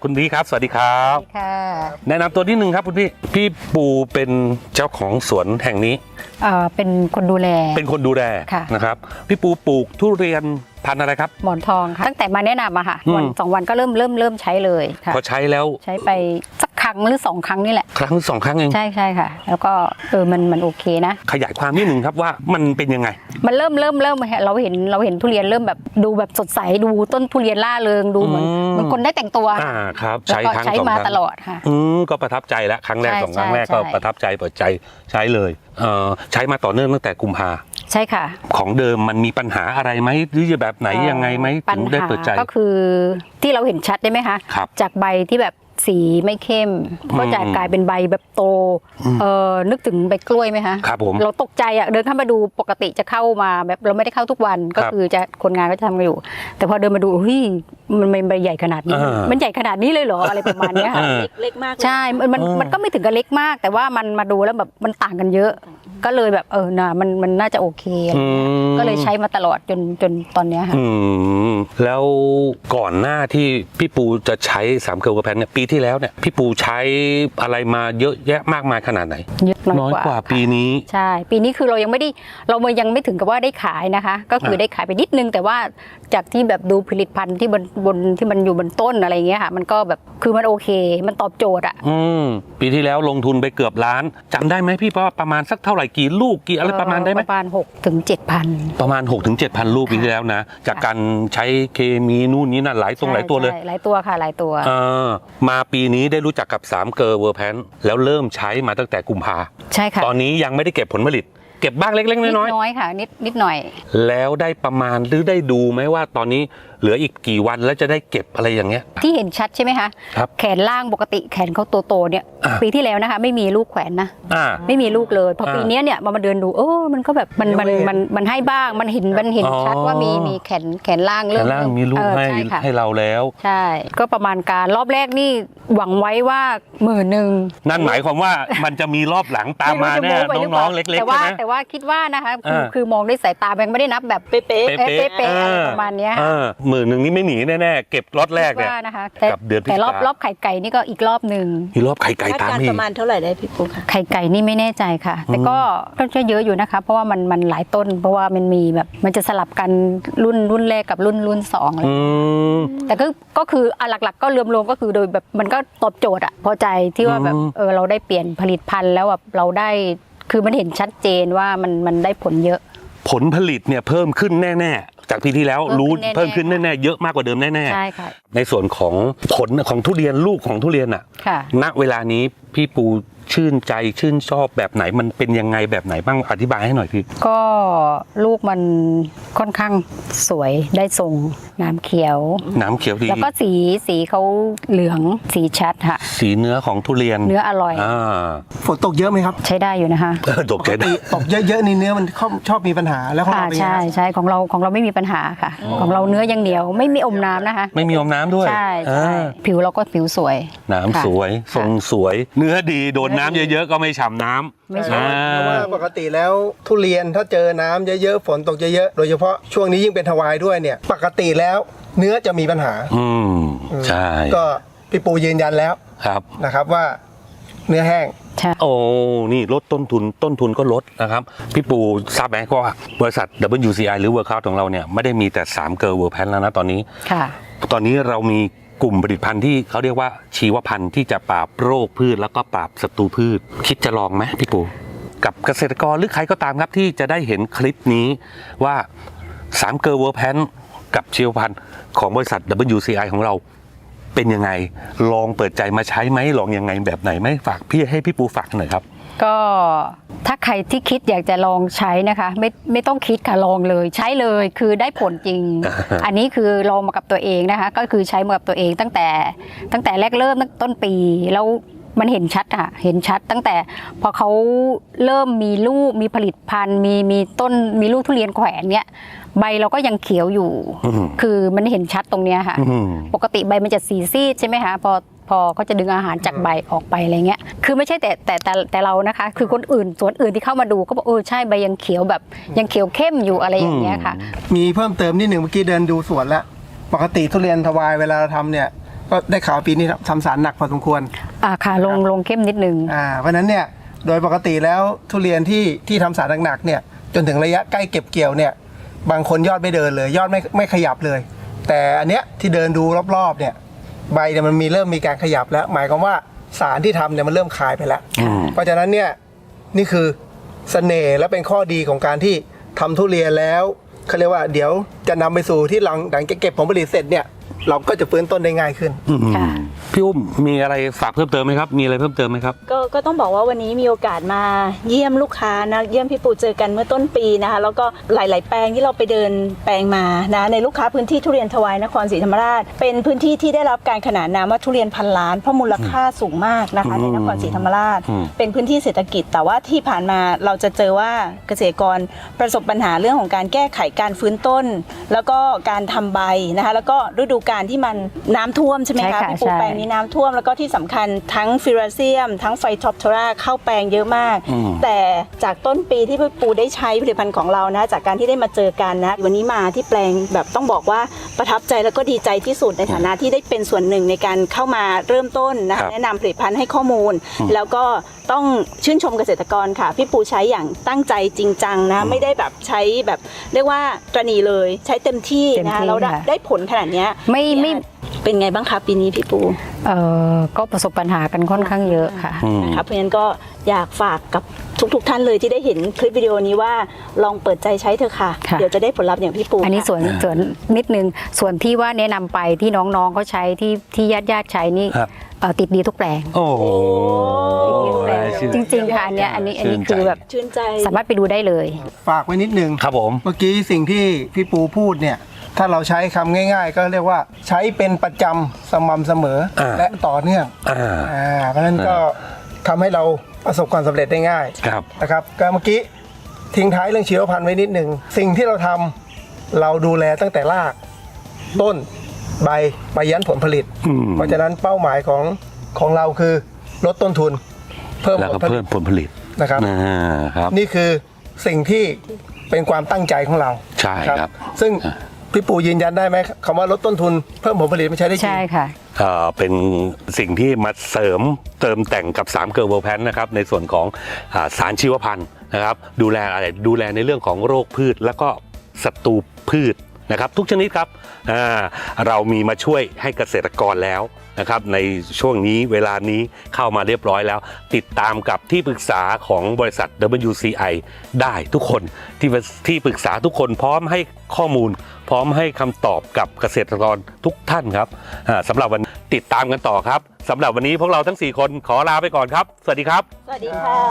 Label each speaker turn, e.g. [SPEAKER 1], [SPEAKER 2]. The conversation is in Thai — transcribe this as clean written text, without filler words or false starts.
[SPEAKER 1] คุณพี่ครับสวัสดีครับ
[SPEAKER 2] ค่ะ
[SPEAKER 1] แนะนำตัวนิดนึงครับคุณพี่ปูเป็นเจ้าของสวนแห่งนี้
[SPEAKER 2] เป็นคนดูแล
[SPEAKER 1] นะครับพี่ปูปลูกทุเรียนพันธุ์อะไรครับ
[SPEAKER 2] หมอนทองค่ะตั้งแต่มาแนะนำอะค่ะวัน2 วันก็เริ่มใช้เลยค่ะ
[SPEAKER 1] พอใช้แล้ว
[SPEAKER 2] ใช้ไปสักครั้งหรือ2 ครั้งนี่แหละ
[SPEAKER 1] ครั้ง2 ครั้งเอง
[SPEAKER 2] ใช่ค่ะแล้วก็มันโอเคนะ
[SPEAKER 1] ขยายความนิดนึงครับว่ามันเป็นยังไง
[SPEAKER 2] มันเริ่มเราเห็นทุเรียนเริ่มแบบดูแบบสดใสดูต้นทุเรียนล่าเริงดูเหมือนคนได้แต่งตัว
[SPEAKER 1] ครับ
[SPEAKER 2] ใช้มาตลอดค่ะ
[SPEAKER 1] ก็ประทับใจแล้วครั้งแรก2 ครั้งแรกก็ประทับใจเปิดใจใช้เลยใช้มาต่อเนื่องตั้งแต่กุมภา
[SPEAKER 2] ใช่ค่ะ
[SPEAKER 1] ของเดิมมันมีปัญหาอะไรไหมหรือจะแบบไหนยังไงไหมถึงได้เปิดใจ
[SPEAKER 2] ก็คือที่เราเห็นชัดได้ไหมคะจากใบที่แบบสีไม่เข้มก็จะกลายเป็นใบแบบโตนึกถึงใบกล้วยไหมคะ
[SPEAKER 1] ครับผม
[SPEAKER 2] เราตกใจเดินเข้ามาดูปกติจะเข้ามาแบบเราไม่ได้เข้าทุกวันก็คือจะคนงานก็จะทำกันอยู่แต่พอเดินมาดูเฮ้ยมันใบใหญ่ขนาดนี้มันใหญ่ขนาดนี้เลยเหรออะไรประมาณนี้ค่ะ
[SPEAKER 3] เล็กมาก
[SPEAKER 2] ใช่มันก็ไม่ถึงกับเล็กมากแต่ว่ามันมาดูแล้วแบบมันต่างกันเยอะก็เลยแบบมันน่าจะโอเคก็เลยใช้มาตลอดจนตอนนี้ค่ะ
[SPEAKER 1] แล้วก่อนหน้าที่พี่ปูจะใช้3 เกลอแพนเนี่ยปีที่แล้วเนี่ยพี่ปูใช้อะไรมาเยอะแยะมากมายขนาดไหนน้อยกว่าปีนี้
[SPEAKER 2] ใช่ปีนี้คือเรายังไม่ถึงกับว่าได้ขายนะคะก็คือได้ขายไปนิดนึงแต่ว่าจากที่แบบดูผลิตภัณฑ์ที่บนที่มันอยู่บนต้นอะไรเงี้ยค่ะมันก็แบบคือมันโอเคมันตอบโจทย์อ่ะ
[SPEAKER 1] ปีที่แล้วลงทุนไปเกือบล้านจำได้ไหมพี่ว่าประมาณสักเท่าไหร่กี่ลูกกี่อะไรประมาณได้ไหม
[SPEAKER 2] ประมาณ6 ถึง 7,000
[SPEAKER 1] ประมาณ6 ถึง 7,000 ลูกปีที่แล้วนะจากการใช้เคมีนู่นนี่นั่นหลายตัวเลย
[SPEAKER 2] หลายตัวค่ะหลายตัว
[SPEAKER 1] มาปีนี้ได้รู้จักกับ3 เกลอเวอร์แพนแล้วเริ่มใช้มาตั้งแต่กุมภา
[SPEAKER 2] ใช่ค่ะ
[SPEAKER 1] ตอนนี้ยังไม่ได้เก็บผลผลิตเก็บบ้างเล็กๆน้อย
[SPEAKER 2] ๆค่ะนิดหน่อย
[SPEAKER 1] แล้วได้ประมาณหรือได้ดูไหมว่าตอนนี้เหลืออีกกี่วันแล้วจะได้เก็บอะไรอย่างเงี้ย
[SPEAKER 2] ที่เห็นชัดใช่ไหมคะ
[SPEAKER 1] ครับ
[SPEAKER 2] แขนล่างปกติแขนเขาโตๆเนี่ยปีที่แล้วนะคะไม่มีลูกแขวนนะไม่มีลูกเลยพอปีนี้เนี่ยมาเดินดูมันก็แบบมันให้บ้างมันเห็นชัดว่ามีแขนล่าง
[SPEAKER 1] เริ่มมีลูกให้เราแล้ว
[SPEAKER 2] ใช่ก็ประมาณการรอบแรกนี่หวังไว้ว่า10,000
[SPEAKER 1] นั่นหมายความว่ามันจะมีรอบหลังตามมาแน่น้องๆเล็กๆใช่ไหม
[SPEAKER 2] แต่ว่าคิดว่านะคะคือมองด้วยสายตาแบงไม่ได้นับแบบเป๊ะประมาณนี้
[SPEAKER 1] 10,000นี่ไม่หนีแน่ๆเก็บล็อตแรกเนี่ย
[SPEAKER 2] กับเดือนแต่รอบไข่ไก่นี่ก็อีกรอบนึง
[SPEAKER 1] มีรอบไข่ไก่ตาม
[SPEAKER 3] ประมาณเท่าไหร่ได้พี่ปุ๊กค่ะ
[SPEAKER 2] ไข่ไก่นี่ไม่แน่ใจค่ะแต่ก็ต้องเยอะอยู่นะคะเพราะว่ามันหลายต้นเพราะว่ามันมีแบบมันจะสลับกันรุ่นแรกกับรุ่น2อะไรแต่ก็คือหลักๆก็รวมๆก็คือโดยแบบมันก็ตอบโจทย์อะพอใจที่ว่าแบบเราได้เปลี่ยนผลิตภัณฑ์แล้วแบบเราได้คือมันเห็นชัดเจนว่ามันได้ผลเยอะ
[SPEAKER 1] ผลผลิตเนี่ยเพิ่มขึ้นแน่ๆจากปีที่แล้วรู้เพิ่มขึ้นแน่ๆเยอะมากกว่าเดิมแน่ๆ
[SPEAKER 2] ใช่ค่ะ
[SPEAKER 1] ในส่วนของผลของทุเรียนลูกของทุเรียนอ่ะณเวลานี้พี่ปูชื่นใจชื่นชอบแบบไหนมันเป็นยังไงแบบไหนบ้างอธิบายให้หน่อยพี่
[SPEAKER 2] ก็ลูกมันค่อนข้างสวยได้ทรงน้ำเขียว
[SPEAKER 1] ดี
[SPEAKER 2] แล้วก็สีเขาเหลืองสีชัดค่ะ
[SPEAKER 1] สีเนื้อของทุเรียน
[SPEAKER 2] เนื้ออร่อย
[SPEAKER 4] ฝนตกเยอะไหมครับ
[SPEAKER 2] ใช้ได้อยู่นะคะ
[SPEAKER 1] ตก
[SPEAKER 4] เยอะๆนี่เนื้อมันชอบมีปัญหาแล้วของเรา
[SPEAKER 2] ใช่ของเราไม่มีปัญหาค่ะของเราเนื้อยังเหนียวไม่มีอมน้ำนะคะ
[SPEAKER 1] ไม่มีอมน้ำด้วย
[SPEAKER 2] ใช่ผิวเราก็ผิวสวย
[SPEAKER 1] น้ำสวยทรงสวยเนื้อดีโดนน้ำเยอะๆก็ไม่ฉ่ำน้ำ
[SPEAKER 2] ไม่ใช่
[SPEAKER 4] เพราะว่าปกติแล้วทุเรียนถ้าเจอน้ำเยอะๆฝนตกเยอะๆโดยเฉพาะช่วงนี้ยิ่งเป็นทวายด้วยเนี่ยปกติแล้วเนื้อจะมีปัญหา
[SPEAKER 1] ใช่
[SPEAKER 4] ก็พี่ปูยืนยันแล้ว
[SPEAKER 1] ครับ
[SPEAKER 4] นะครับว่าเนื้อแห้ง
[SPEAKER 1] โอ้นี่ลดต้นทุนก็ลดนะครับพี่ปูทราบไหมว่าบริษัท WCI หรือ Workout ของเราเนี่ยไม่ได้มีแต่3 เกลอเวอร์แพนแล้วนะตอนนี้ตอนนี้เรามีกลุ่มผลิตภัณฑ์ที่เขาเรียกว่าชีวพันธุ์ที่จะปราบโรคพืชแล้วก็ปราบศัตรูพืชคิดจะลองไหมพี่ปูกับเกษตรกรหรือใครก็ตามครับที่จะได้เห็นคลิปนี้ว่า3 เกลอเวอร์แพนกับชีวพันธุ์ของบริษัท WCI ของเราเป็นยังไงลองเปิดใจมาใช้ไหมลองยังไงแบบไหนไหมฝากให้พี่ปูฝากหน่อยครับ
[SPEAKER 2] ก็ถ้าใครที่คิดอยากจะลองใช้นะคะไม่ต้องคิดค่ะลองเลยใช้เลยคือได้ผลจริง อันนี้คือลองมากับตัวเองนะคะก็คือใช้มากับตัวเองตั้งแต่แรกเริ่มต้นปีแล้วมันเห็นชัดค่ะเห็นชัดตั้งแต่พอเขาเริ่มมีลูกมีผลิตภัณฑ์มีต้นมีลูกทุเรียนแขวนเนี้ยใบเราก็ยังเขียวอยู่คือมันเห็นชัดตรงเนี้ยค่ะปกติใบมันจะสีซีดใช่ไหมคะพอเขาจะดึงอาหารจากใบออกไปอะไรเงี้ยคือไม่ใช่แต่เรานะคะคือคนอื่นสวนอื่นที่เข้ามาดูก็บอกใช่ใบยังเขียวแบบยังเขียวเข้มอยู่อะไรอย่างเงี้ยค่ะ
[SPEAKER 4] มีเพิ่มเติมนิดหนึ่งเมื่อกี้เดินดูสวนแล้วปกติทุเรียนทวายเวลาเราทำเนี่ยก็ได้ข่าวปีนี้ทำสารหนักพอสมควร
[SPEAKER 2] ค่ะลงเข้มนิดนึง
[SPEAKER 4] เพราะฉะนั้นเนี่ยโดยปกติแล้วทุเรียนที่ทำสารหนักๆเนี่ยจนถึงระยะใกล้เก็บเกี่ยวเนี่ยบางคนยอดไม่เดินเลยยอดไม่ขยับเลย แต่อันเนี้ยที่เดินดูรอบๆเนี่ยใบเนี่ยมันเริ่มมีการขยับแล้ว หมายความว่าสารที่ทำเนี่ยมันเริ่มคลายไปแล้ว เพราะฉะนั้นเนี่ยนี่คือเสน่ห์และเป็นข้อดีของการที่ทำทุเรียนแล้วเขาเรียกว่าเดี๋ยวจะนำไปสู่ที่หลังเก็บผลผลิตเสร็จเนี่ยเราก็จะฟื้นต้นได้ง่ายขึ้น
[SPEAKER 2] ค่ะ
[SPEAKER 1] พี่อุ้มมีอะไรฝากเพิ่มเติมไหมครับมีอะไรเพิ่มเติมไหมครับ
[SPEAKER 3] ก็ต้องบอกว่าวันนี้มีโอกาสมาเยี่ยมลูกค้านะเยี่ยมพี่ปูเจอกันเมื่อต้นปีนะคะแล้วก็หลาย ๆ แปลงที่เราไปเดินแปลงมานะในลูกค้าพื้นที่ทุเรียนทวายนครศรีธรรมราชเป็นพื้นที่ที่ได้รับการขนานนามว่าทุเรียนพันล้านเพราะมูลค่าสูงมากนะคะในนครศรีธรรมราชเป็นพื้นที่เศรษฐกิจแต่ว่าที่ผ่านมาเราจะเจอว่าเกษตรกรประสบปัญหาเรื่องของการแก้ไขการฟื้นต้น แล้วก็การทำใบนะคะแล้วก็ฤดูกาลที่มันน้ำท่วมใช่ไหม
[SPEAKER 2] ใช่
[SPEAKER 3] คะ
[SPEAKER 2] ค่ะ
[SPEAKER 3] พี่ปู
[SPEAKER 2] ใช่
[SPEAKER 3] แปลงนี้น้ำท่วมแล้วก็ที่สำคัญทั้งฟิราเซียมทั้งไฟท็อปทราเข้าแปลงเยอะมาก แต่จากต้นปีที่พี่ปูได้ใช้ผลิตภัณฑ์ของเรานะจากการที่ได้มาเจอกันนะวันนี้มาที่แปลงแบบต้องบอกว่าประทับใจแล้วก็ดีใจที่สุดในฐานะที่ได้เป็นส่วนหนึ่งในการเข้ามาเริ่มต้นนะคะแนะนำผลิตภัณฑ์ให้ข้อมูล แล้วก็ต้องชื่นชมเกษตรกรค่ะพี่ปูใช้อย่างตั้งใจจริงจังนะไม่ได้แบบใช้แบบเรียกว่าตระหนี่เลยใช้เต็มที่นะคะแล้วได้ผลขนาดเนี้ย
[SPEAKER 2] ไม่
[SPEAKER 3] เป็นไงบ้างคะปีนี้พี่ปู
[SPEAKER 2] ก็ประสบปัญหากันค่อนข้างเยอะค่ะ
[SPEAKER 3] นะคะเพราะฉะนั้นก็อยากฝากกับทุกท่านเลยที่ได้เห็นคลิปวิดีโอนี้ว่าลองเปิดใจใช้เถอะค่ะ
[SPEAKER 2] ค่ะ
[SPEAKER 3] เดี๋ยวจะได้ผลลัพธ์อย่างพี่ปู
[SPEAKER 2] อันนี้
[SPEAKER 3] ค่ะ
[SPEAKER 2] ส่วนนิดนึงส่วนที่ว่าแนะนำไปที่น้องๆเขาใช้ที่ญาติใช้นี่
[SPEAKER 1] ครับ
[SPEAKER 2] ติดดีทุกแปลง
[SPEAKER 1] โอ้โห
[SPEAKER 2] จริงๆค่ะอันนี้คือแบบ
[SPEAKER 3] ชื่นใจ
[SPEAKER 2] สามารถไปดูได้เลย
[SPEAKER 4] ฝากไว้นิดนึง
[SPEAKER 1] ครับผม
[SPEAKER 4] เมื่อกี้สิ่งที่พี่ปูพูดเนี่ยถ้าเราใช้คำง่ายๆ ก็เรียกว่าใช้เป็นประจำสม่ำเสมอและต่อเนื่องเพราะฉะนั้นก็ทำให้เราประสบความสำเร็จได้ง่าย
[SPEAKER 1] ครับ
[SPEAKER 4] นะครับก็เมื่อกี้ทิ้งท้ายเรื่องชีวพันธุ์ไว้นิดหนึ่งสิ่งที่เราทำเราดูแลตั้งแต่รากต้นใบไปยันผลผลิต เพราะฉะนั้นเป้าหมายของเราคือลดต้นทุนเพิ่ม
[SPEAKER 1] แล้ว
[SPEAKER 4] ผ
[SPEAKER 1] ก็
[SPEAKER 4] ลผลิ
[SPEAKER 1] เพิ่
[SPEAKER 4] ต
[SPEAKER 1] มผลผลิต
[SPEAKER 4] นะครับ
[SPEAKER 1] ครับ
[SPEAKER 4] นี่คือสิ่งที่เป็นความตั้งใจของเรา
[SPEAKER 1] ใช่ครับ
[SPEAKER 4] ซึ่งพี่ปู่ยืนยันได้ไหมคำว่าลดต้นทุนเพิ่มผลผลิตไม่ใช่ได้จริง
[SPEAKER 2] ใช่ค่ะ
[SPEAKER 1] เป็นสิ่งที่มาเสริมเติมแต่งกับ3เกอร์เวอร์แพนนะครับในส่วนของสารชีวพันธุ์นะครับดูแลอะไรดูแลในเรื่องของโรคพืชแล้วก็ศัตรูพืชนะครับทุกชนิดครับเรามีมาช่วยให้เกษตรกรแล้วนะครับในช่วงนี้เวลานี้เข้ามาเรียบร้อยแล้ว ติดตามกับที่ปรึกษาของบริษัท WCI ได้ทุกคนที่ปรึกษาทุกคนพร้อมให้ข้อมูล พร้อมให้คำตอบกับเกษตรกรทุกท่านครับสำหรับวันติดตามกันต่อครับสำหรับวันนี้พวกเราทั้ง4คนขอลาไปก่อนครับสวัสดีครับ
[SPEAKER 3] สวัสดีค่ะ